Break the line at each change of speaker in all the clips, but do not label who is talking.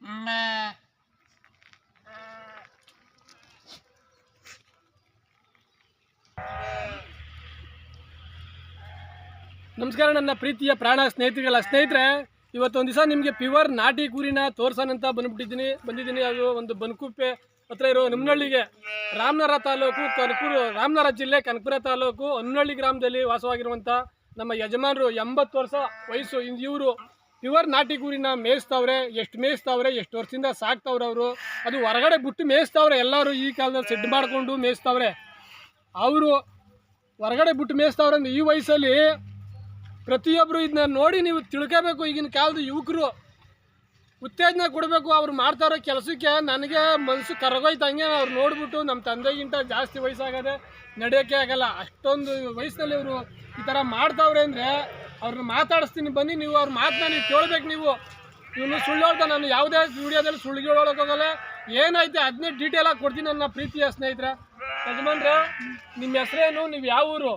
ನಮಸ್ಕಾರ ನನ್ನ ಪ್ರೀತಿಯ ಪ್ರಾಣ ಸ್ನೇಹಿತರೆ, ಇವತ್ತೊಂದು ದಿವಸ ನಿಮಗೆ ಪ್ಯೂರ್ ನಾಟಿ ಕುರಿನ ತೋರ್ಸೋಣಂತ ಬಂದಿದ್ದೀನಿ. ಅದು ಒಂದು ಬನಕುಪ್ಪೆ ಹತ್ರ ಇರೋ ನಿಮ್ನಹಳ್ಳಿಗೆ, ರಾಮನಗರ ತಾಲೂಕು ರಾಮನಗರ ಜಿಲ್ಲೆ ಕನಕಪುರ ತಾಲೂಕು ಹೊನ್ನಳ್ಳಿ ಗ್ರಾಮದಲ್ಲಿ ವಾಸವಾಗಿರುವಂಥ ನಮ್ಮ ಯಜಮಾನರು 80 ವರ್ಷ ವಯಸ್ಸು. ಇವರು ಪ್ಯೂರ್ ನಾಟಿ ಕುರಿನ ಮೇಯಿಸ್ತವ್ರೆ. ಎಷ್ಟು ವರ್ಷದಿಂದ ಸಾಕ್ತವ್ರೆ ಅವರು. ಅದು ಹೊರಗಡೆ ಬಿಟ್ಟು ಮೇಯಿಸ್ತವ್ರೆ. ಎಲ್ಲರೂ ಈ ಕಾಲದಲ್ಲಿ ಸೆಡ್ ಮಾಡಿಕೊಂಡು ಮೇಯಿಸ್ತವ್ರೆ. ಅವರು ಹೊರಗಡೆ ಬಿಟ್ಟು ಮೇಯಿಸ್ತವ್ರೆ ಅಂದ್ರೆ ಈ ವಯಸ್ಸಲ್ಲಿ ಪ್ರತಿಯೊಬ್ಬರು ಇದನ್ನ ನೋಡಿ ನೀವು ತಿಳ್ಕೋಬೇಕು. ಈಗಿನ ಕಾಲದ ಯುವಕರು ಉತ್ತೇಜನ ಕೊಡಬೇಕು. ಅವ್ರು ಮಾಡ್ತಾರೋ ಕೆಲಸಕ್ಕೆ ನನಗೆ ಮನಸ್ಸು ಕರಗೋಯ್ತು. ಹಂಗೆ ಅವ್ರು ನೋಡ್ಬಿಟ್ಟು ನಮ್ಮ ತಂದೆಗಿಂತ ಜಾಸ್ತಿ ವಯಸ್ಸಾಗದೆ ನಡೆಯೋಕ್ಕೆ ಆಗಲ್ಲ. ಅಷ್ಟೊಂದು ವಯಸ್ಸಿನಲ್ಲಿ ಅವರು ಈ ಥರ ಮಾಡ್ತಾವ್ರೆ ಅಂದರೆ ಅವ್ರನ್ನ ಮಾತಾಡಿಸ್ತೀನಿ ಬನ್ನಿ. ನೀವು ಅವ್ರ ಮಾತನ್ನ ನೀವು ಕೇಳಬೇಕು. ನೀವು ಇವನು ಸುಳ್ಳು ಹೇಳ್ತಾ ನಾನು ಯಾವುದೇ ವಿಡಿಯೋದಲ್ಲಿ ಸುಳ್ಳು ಹೇಳೋಕ್ಕೋಗಲ್ಲ. ಏನೈತೆ ಅದನ್ನೇ ಡೀಟೇಲಾಗಿ ಕೊಡ್ತೀನಿ ನನ್ನ ಪ್ರೀತಿಯ ಸ್ನೇಹಿತರೆ. ಯಜಮಾನ್ರೆ, ನಿಮ್ಮ ಹೆಸರೇನು? ನೀವು ಯಾವ ಊರು?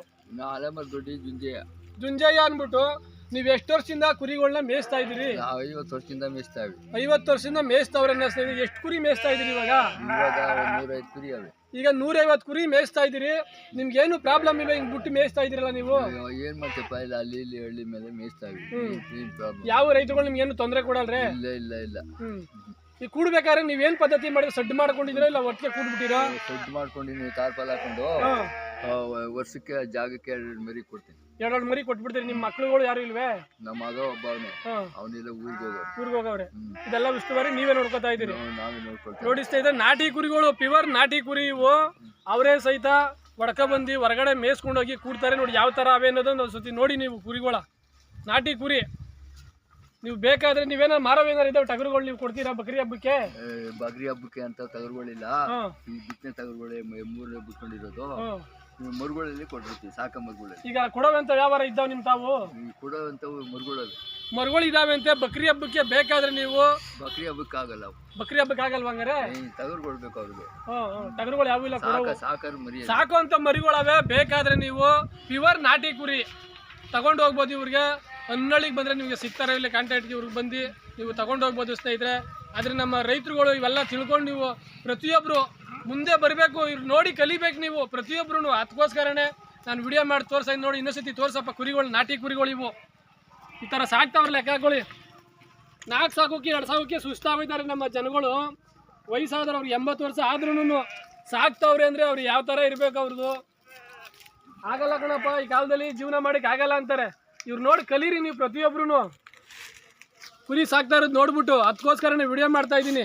ಜುಂಜಯ್ಯ ಅಂದ್ಬಿಟ್ಟು ನೀವು ಎಷ್ಟು ವರ್ಷದಿಂದ ಕುರಿಗಳನ್ನ ಮೇಯಿಸ್ತಾ ಇದ್ದೀರಿ?
50 ವರ್ಷದಿಂದ ಮೇಯಿಸ್ತಾ ಇದ್ದೀವಿ.
50 ವರ್ಷದಿಂದ ಮೇಯಿಸ್ತವ್ರೆ. ಎಷ್ಟು ಕುರಿ ಮೇಯಿಸ್ತಾ ಇದ್ದೀರಿ ಇವಾಗ?
105 ಕುರಿ ಅವೆ.
ಈಗ 150 ಕುರಿ ಮೇಯಿಸ್ತಾ ಇದ್ದೀರಿ. ನಿಮ್ಗೇನು ಪ್ರಾಬ್ಲಮ್ ಇಲ್ಲ ಹಿಂಗ್ ಬಿಟ್ಟು ಮೇಯಿಸ್ತಾ ಇದ್ದೀರಲ್ಲ ನೀವು?
ಏನ್ ಮಾಡ್ತೇಪ್ಪ, ಇಲ್ಲ ಅಲ್ಲಿ ಇಲ್ಲಿ ಹಳ್ಳಿ ಮೇಲೆ ಮೇಯಿಸ್ತಾ ಇದ್ದೀವಿ.
ಯಾವ ರೈತರುಗಳು ನಿಮ್ಗೆ ಏನು ತೊಂದರೆ ಕೊಡಲ್ರೆ?
ಇಲ್ಲ.
ಈಗ ಕೂಡ್ಬೇಕಾದ್ರೆ ನೀವೇನ್ ಪದ್ಧತಿ ಮಾಡಿದ್ರೆ ಸಡ್ಡು ಮಾಡ್ಕೊಂಡಿದ್ದೀರಾ ಇಲ್ಲ ಒಟ್ಟಿಗೆ ಕೂಡ್ಬಿಟ್ಟಿರಾ?
ಸಡ್ಡು ಮಾಡ್ಕೊಂಡಿನಿ, ತಾರ್ಪಾಲ್ ಹಾಕೊಂಡು ವರ್ಷಕ್ಕೆ ಜಾಗಕ್ಕೆ 2 ಮರಿ ಕೊಡ್ತೀನಿ.
2 ಮರಿ ಕೊಟ್ಬಿಡ್ತೀರಿ. ನಿಮ್ಮ ಮಕ್ಳುಗಳು ಯಾರು ಇಲ್ವೇ?
ನಮ್ಮ ಮಗ ಒಬ್ಬವನೇ, ಅವನೆಲ್ಲ ಊರಿಗೆ
ಹೋಗವ್ರೆ. ಇದೆಲ್ಲ ಉಸ್ತುವಾರಿ ನೀವೇ ನೋಡ್ಕೊತಾ ಇದ್ದೀರಿ?
ನಾವೇ ನೋಡ್ಕೊಳ್ತೀವಿ.
ನೋಡಿಸ್ತಾ ಇದ್ರೆ ನಾಟಿ ಕುರಿಗಳು, ಪ್ಯೂರ್ ನಾಟಿ ಕುರಿ ಇವು. ಅವರೇ ಸಹಿತ ಒಡಕ ಬಂದು ಹೊರಗಡೆ ಮೇಯಿಸ್ಕೊಂಡೋಗಿ ಕೂಡ್ತಾರೆ. ನೋಡಿ ಯಾವ ಥರ ಅವೆ ಅನ್ನೋದೊಂದು ಒಂದು ಸತಿ ನೋಡಿ ನೀವು. ಕುರಿಗಳ ನಾಟಿ ಕುರಿ ನೀವು ಬೇಕಾದ್ರೆ ನೀವೇನಾರು ಮಾರೋವೇನಾರು ಇದಾವೆ ಟಗರುಗಳು ನೀವು ಕೊಡ್ತೀರಾ ಬಕ್ರಿ ಹಬ್ಬಕ್ಕೆ?
ಬಕ್ರಿ ಹಬ್ಬಕ್ಕೆ ಅಂತ ಟಗರುಗಳಿಲ್ಲ. ಈ ಬಿತ್ತನೆ ಟಗರುಗಳೇ 3 ಬಿಟ್ಕೊಂಡಿರೋದು. ಮರುಗಳಲ್ಲಿ ಕೊಟ್ಟಿರ್ತೀವಿ, ಸಾಕ ಮರುಗಳಲ್ಲಿ.
ಈಗ ಕೊಡೋವಂತ ವ್ಯವಹಾರ ಇದ್ದಾವೆ ನಿಮ್ ತಾವು?
ಕೊಡೋವಂಥವು
ಮರುಗಳು ಇದಾವೆ ಅಂತೆ. ಬಕ್ರಿ ಹಬ್ಬಕ್ಕೆ ಬೇಕಾದ್ರೆ ನೀವು?
ಬಕ್ರಿ ಹಬ್ಬಕ್ಕೆ ಆಗಲ್ಲ.
ಬಕ್ರಿ ಹಬ್ಬಕ್ಕೆ ಆಗಲ್ವ? ಹಂಗಾರೆ
ಟಗರು ಕೊಡ್ಬೇಕು ಅವ್ರಿಗೆ.
ಟಗರುಗಳು ಯಾವ ಇಲ್ಲ,
ಸಾಕರು ಮರಿ,
ಸಾಕುವಂತ ಮರಿಗಳವೆ. ಬೇಕಾದ್ರೆ ನೀವು ಪ್ಯೂರ್ ನಾಟಿ ಕುರಿ ತಗೊಂಡು ಹೋಗ್ಬೋದು. ಇವ್ರಿಗೆ ಹೊನ್ನಳ್ಳಿಗೆ ಬಂದರೆ ನಿಮಗೆ ಸಿಗ್ತಾರೆ. ಇಲ್ಲಿ ಕಾಂಟ್ಯಾಕ್ಟ್ಗೆ ಇವ್ರಿಗೆ ಬಂದು ನೀವು ತಗೊಂಡು ಹೋಗ್ಬೋದು ಸ್ನೇಹಿತರೆ. ಆದರೆ ನಮ್ಮ ರೈತರುಗಳು ಇವೆಲ್ಲ ತಿಳ್ಕೊಂಡು ನೀವು ಪ್ರತಿಯೊಬ್ಬರು ಮುಂದೆ ಬರಬೇಕು. ಇವ್ರು ನೋಡಿ ಕಲಿಬೇಕು ನೀವು ಪ್ರತಿಯೊಬ್ಬರು. ಅದಕ್ಕೋಸ್ಕರನೇ ನಾನು ವಿಡಿಯೋ ಮಾಡಿ ತೋರ್ಸಾಯ್ತು. ನೋಡಿ ಇನ್ನೊಂದ್ಸತಿ ತೋರ್ಸಪ್ಪ ಕುರಿಗಳು, ನಾಟಿ ಕುರಿಗಳು ಇವು. ಈ ಥರ ಸಾಕ್ತಾವ್ರ ಲೆಕ್ಕಗಳು. 4 ಸಾಕೋಕ್ಕೆ 2 ಸಾಕೋಕ್ಕೆ ಸುಸ್ತಾಗಿದ್ದಾರೆ ನಮ್ಮ ಜನಗಳು. ವಯಸ್ಸಾದ್ರೆ ಅವ್ರಿಗೆ 80 ವರ್ಷ ಆದ್ರೂ ಸಾಕ್ತವ್ರೆ ಅಂದರೆ ಅವ್ರು ಯಾವ ಥರ ಇರಬೇಕು ಅವ್ರದ್ದು? ಆಗಲ್ಲ ಕಣಪ್ಪ, ಈ ಕಾಲದಲ್ಲಿ ಜೀವನ ಮಾಡೋಕ್ಕೆ ಆಗಲ್ಲ ಅಂತಾರೆ. ಇವ್ರು ನೋಡಿ ಕಲೀರಿ ನೀವು ಪ್ರತಿಯೊಬ್ಬರು. ಕುರಿ ಸಾಕ್ತಾ ಇರೋದು ನೋಡ್ಬಿಟ್ಟು ಅದಕ್ಕೋಸ್ಕರನೇ ವಿಡಿಯೋ ಮಾಡ್ತಾ ಇದ್ದೀನಿ.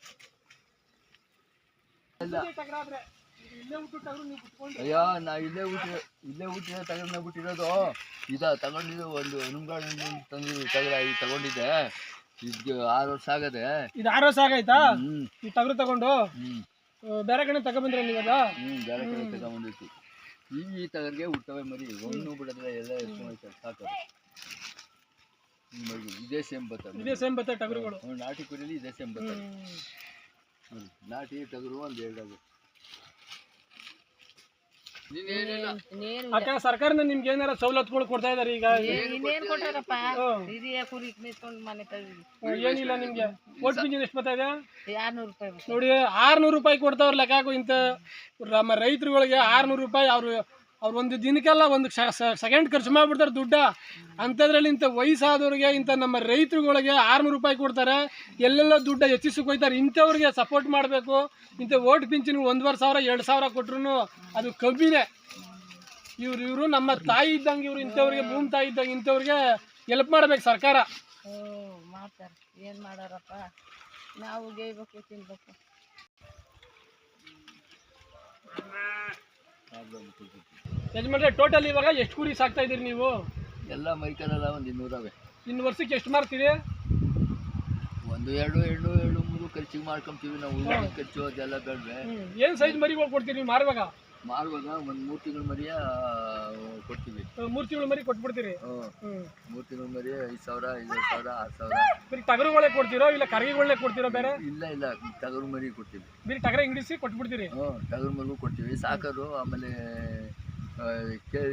ಅಯ್ಯೋ, ನಾ ಇಲ್ಲೇ ಊಟ ತಗೊಂಡ ಬಿಟ್ಟಿರೋದು. ತಗೊಂಡಿದ್ದು ಒಂದು ಹನುಮಗಾಡು ತಗೊಂಡಿದ್ದೆ. ಇದು 6 ವರ್ಷ ಆಗದೆ.
ಇದು 6 ವರ್ಷ ಆಗೈತಾ ಈ ಟಗರು ತಗೊಂಡು? ಬೇರೆ ಕಡೆ ತಗೊಂಡ್ಬಂದ್ರೆ ನೀವಾಗ?
ಬೇರೆ ಕಡೆ ತಗೊಂಡ್ಬಂದಿತ್ತು. ಈ ಟಗರ್ಗೆ ಹುಟ್ಟವೆ ಮರಿ, ಒಂದು ಬಿಡದ್ರೆ ಎಲ್ಲ ಎಷ್ಟು ಸಾಕೋದು. ಇದೇ ಸೇಮ್ ಬರ್ತದೆ
ಟಗರುಗಳು.
ನಾಟಿ ಕುರಿಲಿ ಇದೇ ಸೇಮ್ ಬರ್ತದೆ. ನಾಟಿ ಟಗರು ಒಂದು 2
ಅಕ್ಕ, ಸರ್ಕಾರದಿಂದ ನಿಮ್ಗೆ ಏನಾರ ಸವಲತ್ತುಗಳು ಕೊಡ್ತಾ ಇದಾರೆ ಈಗ? ಏನಿಲ್ಲ ನಿಮ್ಗೆ. ಓಟ್ ಪಿಂಚಣಿ ಎಷ್ಟು ಬರ್ತಾ ಇದೆ?
600 ರೂಪಾಯಿ.
ನೋಡಿ 600 ರೂಪಾಯಿ ಕೊಡ್ತಾವ್ರ ಲೆಕ್ಕಾಕು. ಇಂಥ ನಮ್ಮ ರೈತರುಗಳಿಗೆ 600 ರೂಪಾಯಿ ಅವ್ರು ಒಂದು ದಿನಕ್ಕೆಲ್ಲ ಒಂದು ಸೆಕೆಂಡ್ ಖರ್ಚು ಮಾಡಿಬಿಡ್ತಾರೆ ದುಡ್ಡ. ಅಂಥದ್ರಲ್ಲಿ ಇಂಥ ವಯಸ್ಸಾದವ್ರಿಗೆ, ಇಂಥ ನಮ್ಮ ರೈತರುಗಳಿಗೆ 600 ರೂಪಾಯಿ ಕೊಡ್ತಾರೆ. ಎಲ್ಲೆಲ್ಲ ದುಡ್ಡ ಹೆಚ್ಚಿಸಕ್ಕೆ ಹೋಗ್ತಾರೆ. ಇಂಥವ್ರಿಗೆ ಸಪೋರ್ಟ್ ಮಾಡಬೇಕು. ಇಂಥ ಓಟ್ ಪಿಂಚಣಿ 1,500 2,000 ಕೊಟ್ರು ಅದು ಕಬ್ಬಿನೇ. ಇವರು ನಮ್ಮ ತಾಯಿ ಇದ್ದಂಗೆ. ಇವರು ಇಂಥವ್ರಿಗೆ ಭೂಮಿ ತಾಯಿ ಇದ್ದಂಗೆ. ಇಂಥವ್ರಿಗೆ ಹೆಲ್ಪ್ ಮಾಡ್ಬೇಕು ಸರ್ಕಾರ.
ಮಾಡ್ತಾರೆ, ಏನು ಮಾಡಾರಪ್ಪ, ನಾವು ಗೇಯ್ಬೇಕು, ತಿನ್ಬೇಕು.
ಯಜಮಾನ್ರೆ, ಟೋಟಲ್ ಇವಾಗ ಎಷ್ಟು ಕುರಿ ಸಾಕ್ತಾ ಇದ್ದೀರಿ ನೀವು?
ಎಲ್ಲ ಮೈಕಲೆಲ್ಲ ಒಂದು 200 ಅವೆ.
ಇನ್ನು ವರ್ಷಕ್ಕೆ ಎಷ್ಟು ಮಾರ್ತೀರಿ?
1 2 3 ಖರ್ಚಿಗೆ ಮಾಡ್ಕೊಂತೀವಿ ನಾವು. ಖರ್ಚು ಅದೆಲ್ಲ ಬೇಡವೆ.
ಏನು ಸೈಜ್ ಮರಿಗಳು ಕೊಡ್ತೀರಿ ನೀವು ಮಾರುವಾಗ?
ಒಂದು 3 ತಿಂಗಳ ಮರಿಯ ಕೊಡ್ತೀವಿ.
3 ತಿಂಗಳ ಮರಿ ಕೊಟ್ಬಿಡ್ತೀರಿ?
3 ತಿಂಗಳ ಮರಿ 5,000 5,000 6,000.
ಬರೀ ಟಗರುಗಳೇ ಕೊಡ್ತೀರೋ ಇಲ್ಲ ಕರಗಿಗಳನ್ನೇ ಕೊಡ್ತೀರೋ ಬೇರೆ?
ಇಲ್ಲ, ಟಗರು ಮರಿ ಕೊಡ್ತೀವಿ.
ಬರೀ ಟಗರ ಇಂಗ್ಲಿಸಿ ಕೊಟ್ಬಿಡ್ತೀರಿ?
ಟಗರು ಮರಿಗೂ ಕೊಡ್ತೀವಿ. ಸಾಕರು ಆಮೇಲೆ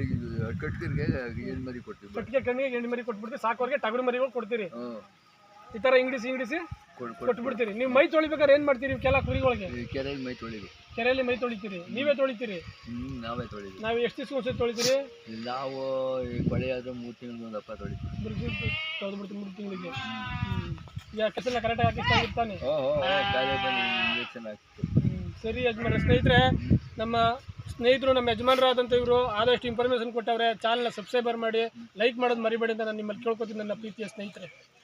ಕಟ್ಕರ್ಗೆ ಹೆಣ್ಣು ಮರಿ ಕೊಡ್ತೀವಿ.
ಕಟ್ಟಿಗೆ ಕಣ್ಣಿಗೆ ಹೆಣ್ಣು ಮರಿ ಕೊಟ್ಬಿಡ್ತೀವಿ. ಸಾಕೋರ್ಗೆ ಟಗರು ಮರಿಗಳು ಕೊಡ್ತೀರಿ? ಈ ಥರ ಇಂಗ್ಲಿಸಿ ಕೊಟ್ಬಿಡ್ತೀರಿ. ನೀವು ಮೈ ತೊಳಿಬೇಕಾದ್ರೆ ಏನು ಮಾಡ್ತೀರಿ ಕೆಲ ಕುರಿಗಳಿಗೆ?
ಕೆರೆಯಲ್ಲಿ ಮೈ ತೊಳಿದು,
ಕೆರೆಯಲ್ಲಿ ಮೈ ತೊಳಿತೀರಿ, ನೀವೇ ತೊಳಿತೀರಿ?
ನಾವೇ ತೊಳಿದು.
ನಾವು ಎಷ್ಟು ದಿವಸ ಒಂದ್ಸತಿ ತೊಳಿತೀರಿ?
ನಾವು ಈ ಕೊಳೆ ಆದ್ರೆ 3 ತಿಂಗಳು ಒಂದು ಹಬ್ಬ ತೊಳಿತೀವಿ.
ತೊಳೆದ್ಬಿಡ್ತೀವಿ 3 ತಿಂಗಳಿಗೆ. ಈಗ ಕೆಸೆಲ್ಲ ಕರೆಕ್ಟಾಗಿ ಹಾಕಿರ್ತಾನೆ.
ಕಾಲೇ ಬಂದು ಇಂಜೆಕ್ಷನ್ ಹಾಕ್ತೀವಿ.
ಸರಿ ಯಜಮಾನ್ರೆ. ಸ್ನೇಹಿತರೆ, ನಮ್ಮ ಸ್ನೇಹಿತರು ನಮ್ಮ ಯಜಮಾನರಾದಂಥ ಇವರು ಆದಷ್ಟು ಇನ್ಫಾರ್ಮೇಷನ್ ಕೊಟ್ಟವ್ರೆ. ಚಾನಲ್ನ ಸಬ್ಸ್ಕ್ರೈಬರ್ ಮಾಡಿ, ಲೈಕ್ ಮಾಡೋದು ಮರಿಬೇಡಿ ಅಂತ ನಾನು ನಿಮ್ಮಲ್ಲಿ ಕೇಳ್ಕೊತೀನಿ ನನ್ನ ಪ್ರೀತಿಯ ಸ್ನೇಹಿತರೆ.